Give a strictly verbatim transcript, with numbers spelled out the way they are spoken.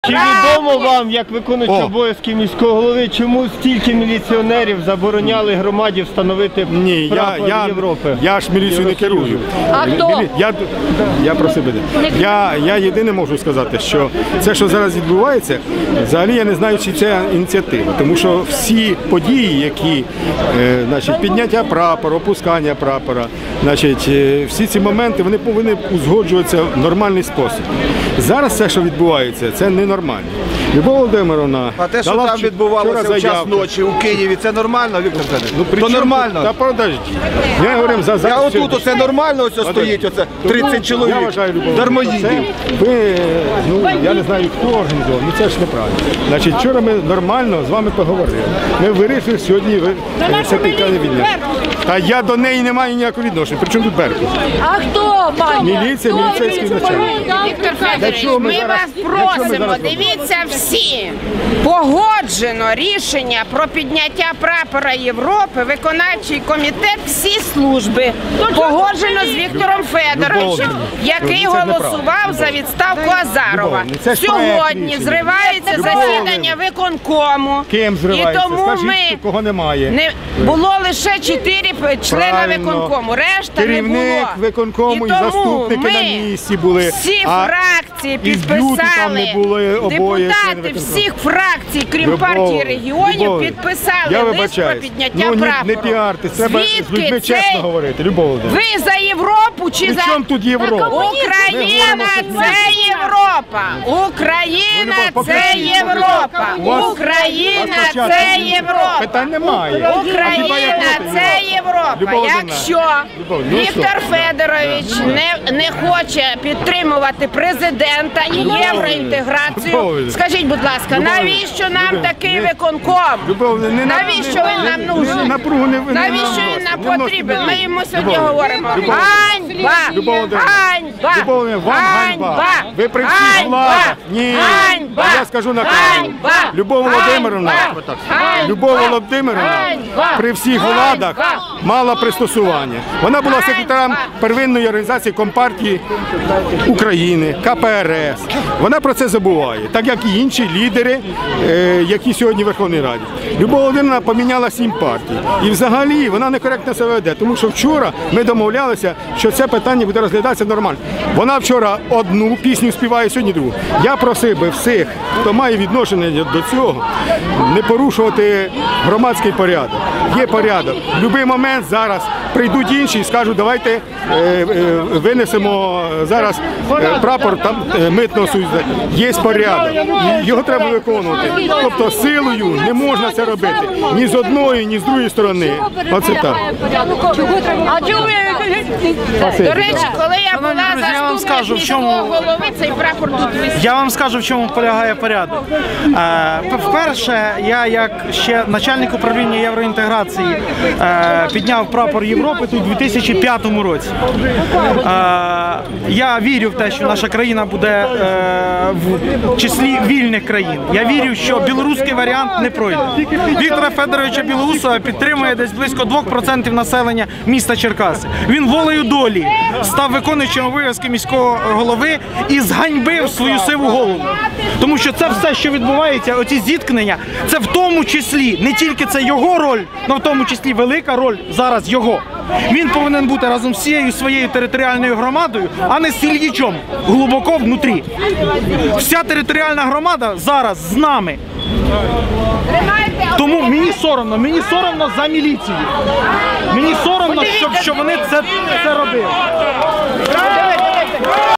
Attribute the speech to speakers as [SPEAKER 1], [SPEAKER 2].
[SPEAKER 1] Чи відомо вам, як виконуючий обов'язки міського голови, чому стільки міліціонерів забороняли громаді встановити
[SPEAKER 2] Ні,
[SPEAKER 1] прапор
[SPEAKER 2] я, я,
[SPEAKER 1] Європи?
[SPEAKER 2] Я ж міліцію не керую.
[SPEAKER 3] А хто?
[SPEAKER 2] Я, я про себе. Я, я єдине можу сказати, що це, що зараз відбувається, взагалі я не знаю, чи це ініціатива. Тому що всі події, які, е, значить, підняття прапора, опускання прапора, значить, е, всі ці моменти, вони повинні узгоджуватися в нормальний спосіб. Зараз все, що відбувається, це ненормально. Любов Володимировна,
[SPEAKER 4] а те, що там відбувалося в час ночі у Києві, це нормально, Віктор Федорович?
[SPEAKER 2] Ну,
[SPEAKER 4] то нормально.
[SPEAKER 2] Та подожди. Я говорю, за, за
[SPEAKER 4] Я отут, оце нормально, ось стоїть, оце тридцять чоловік,
[SPEAKER 2] я вважаю, Любов,
[SPEAKER 4] дармоїдів.
[SPEAKER 2] Ви, ну, я не знаю, хто організував, ну це ж неправильно. Значить, вчора ми нормально з вами поговорили. Ми вирішили сьогодні ви, все питання відняти. Та я до неї не маю ніякого відношення. Причому тут Беркут?
[SPEAKER 3] А хто, пані?
[SPEAKER 2] Міліція, міліцейський начальник.
[SPEAKER 5] Віктор Федорович, ми, ми вас просимо, дивіться всі, погоджено рішення про підняття прапора Європи, виконавчий комітет, всі служби, погоджено з Віктором Федоровичем, який голосував за відставку Азарова. Сьогодні зривається засідання виконкому.
[SPEAKER 2] Ким зривається?
[SPEAKER 5] І тому
[SPEAKER 2] Скажіть,
[SPEAKER 5] ми
[SPEAKER 2] кого немає.
[SPEAKER 5] не було лише чотири члена
[SPEAKER 2] Правильно.
[SPEAKER 5] виконкому, решта не було.
[SPEAKER 2] Керівник виконкому і,
[SPEAKER 5] тому
[SPEAKER 2] заступники
[SPEAKER 5] ми
[SPEAKER 2] на місці були.
[SPEAKER 5] всі
[SPEAKER 2] а
[SPEAKER 5] фракції
[SPEAKER 2] і з Б'юти там
[SPEAKER 5] підписали,
[SPEAKER 2] не були обоє
[SPEAKER 5] депутати
[SPEAKER 2] члени
[SPEAKER 5] всіх фракцій, крім
[SPEAKER 2] Любов,
[SPEAKER 5] партії регіонів,
[SPEAKER 2] Любов,
[SPEAKER 5] підписали
[SPEAKER 2] я
[SPEAKER 5] лист про
[SPEAKER 2] вибачаюсь.
[SPEAKER 5] підняття
[SPEAKER 2] Ну, не,
[SPEAKER 5] прапору.
[SPEAKER 2] не піарти, треба з людьми
[SPEAKER 5] Звідки
[SPEAKER 2] чесно
[SPEAKER 5] цей-
[SPEAKER 2] говорити. Любов Володимирівна.
[SPEAKER 5] Ви за Європу чи
[SPEAKER 2] При
[SPEAKER 5] за...
[SPEAKER 2] чому тут Європа?
[SPEAKER 5] Україна – це Європа! Україна
[SPEAKER 2] Любов,
[SPEAKER 5] – це
[SPEAKER 2] покажіть.
[SPEAKER 5] Європа!
[SPEAKER 2] У вас-
[SPEAKER 5] Україна
[SPEAKER 2] у вас
[SPEAKER 5] – це Європа!
[SPEAKER 2] Питань немає. А хіба я
[SPEAKER 5] Україна
[SPEAKER 2] проти
[SPEAKER 5] – це Європа.
[SPEAKER 2] Любов Володимирівна.
[SPEAKER 5] Якщо
[SPEAKER 2] Любов, ну
[SPEAKER 5] Віктор
[SPEAKER 2] що?
[SPEAKER 5] Федорович не, не хоче підтримувати президента і
[SPEAKER 2] Любов
[SPEAKER 5] євроінтеграцію,
[SPEAKER 2] Володимирівна.
[SPEAKER 5] скажіть, будь ласка,
[SPEAKER 2] Любов
[SPEAKER 5] навіщо нам
[SPEAKER 2] Володимирівна.
[SPEAKER 5] такий
[SPEAKER 2] Не-
[SPEAKER 5] виконком?
[SPEAKER 2] Любов, не, не,
[SPEAKER 5] Навіщо
[SPEAKER 2] не,
[SPEAKER 5] він нам
[SPEAKER 2] не-
[SPEAKER 5] нужен?
[SPEAKER 2] Напругу не, не
[SPEAKER 5] Навіщо він нам
[SPEAKER 2] не вносить,
[SPEAKER 5] потрібен?
[SPEAKER 2] не
[SPEAKER 5] Ми
[SPEAKER 2] вносить.
[SPEAKER 5] йому сьогодні
[SPEAKER 2] Любов,
[SPEAKER 5] говоримо.
[SPEAKER 2] Любов,
[SPEAKER 5] Ганьба!
[SPEAKER 2] Любов Володимирівна.
[SPEAKER 5] Ганьба!
[SPEAKER 2] Любов Володимирівна, вам ганьба. Ви при всіх
[SPEAKER 5] Ганьба!
[SPEAKER 2] владах. Ні.
[SPEAKER 5] Ганьба!
[SPEAKER 2] Я скажу на
[SPEAKER 5] Ганьба!
[SPEAKER 2] камеру. Любов Володимирівна.
[SPEAKER 5] Ганьба!
[SPEAKER 2] Любов Володимирівна
[SPEAKER 5] Ганьба!
[SPEAKER 2] при всіх
[SPEAKER 5] Ганьба!
[SPEAKER 2] владах мала пристосування. Вона була
[SPEAKER 5] Ганьба!
[SPEAKER 2] секретарем первинної організації Компартії України, ка пе ер ес. Вона про це забуває, так як і інші лідери, е, які сьогодні в Верховній Раді. Любов Володимирівна поміняла сім партій. І взагалі вона некоректно себе веде, тому що вчора ми домовлялися, що це питання буде розглядатися нормально. Вона вчора одну пісню співає, сьогодні другу. Я просив би всіх, хто має відношення до цього, не порушувати громадський порядок. Є порядок. В будь-який момент зараз прийдуть інші і скажуть, давайте е, е, винесемо зараз е, прапор там е, митного союзу. Є порядок. І його треба виконувати. Тобто силою не можна це робити. Ні з одної, ні з другої сторони. Оце так.
[SPEAKER 3] А чому ви...
[SPEAKER 5] До речі, коли я була
[SPEAKER 6] друзі, я вам скажу,
[SPEAKER 5] заступник
[SPEAKER 6] в чому-
[SPEAKER 5] міського голови, цей прапор тут висів.
[SPEAKER 6] Я вам скажу, в чому полягає порядок. Е, Вперше, я як ще начальник управління євроінтеграції е, підняв прапор Європи тут у дві тисячі п'ятому році. Е, Я вірю в те, що наша країна буде е, в числі вільних країн. Я вірю, що білоруський варіант не пройде. Віктора Федоровича Білоусова підтримує десь близько двох процентів населення міста Черкаси. Він волею долі став виконуючим обов'язки міського голови і зганьбив свою сиву голову. Тому що це все, що відбувається, оці зіткнення, це в тому числі, не тільки це його роль, але в тому числі велика роль зараз його. Він повинен бути разом з всією своєю територіальною громадою, а не з Ільїчом, глибоко внутрі. Вся територіальна громада зараз з нами. Тому мені соромно, мені соромно за міліцію. Мені соромно, щоб, щоб вони це, це робили.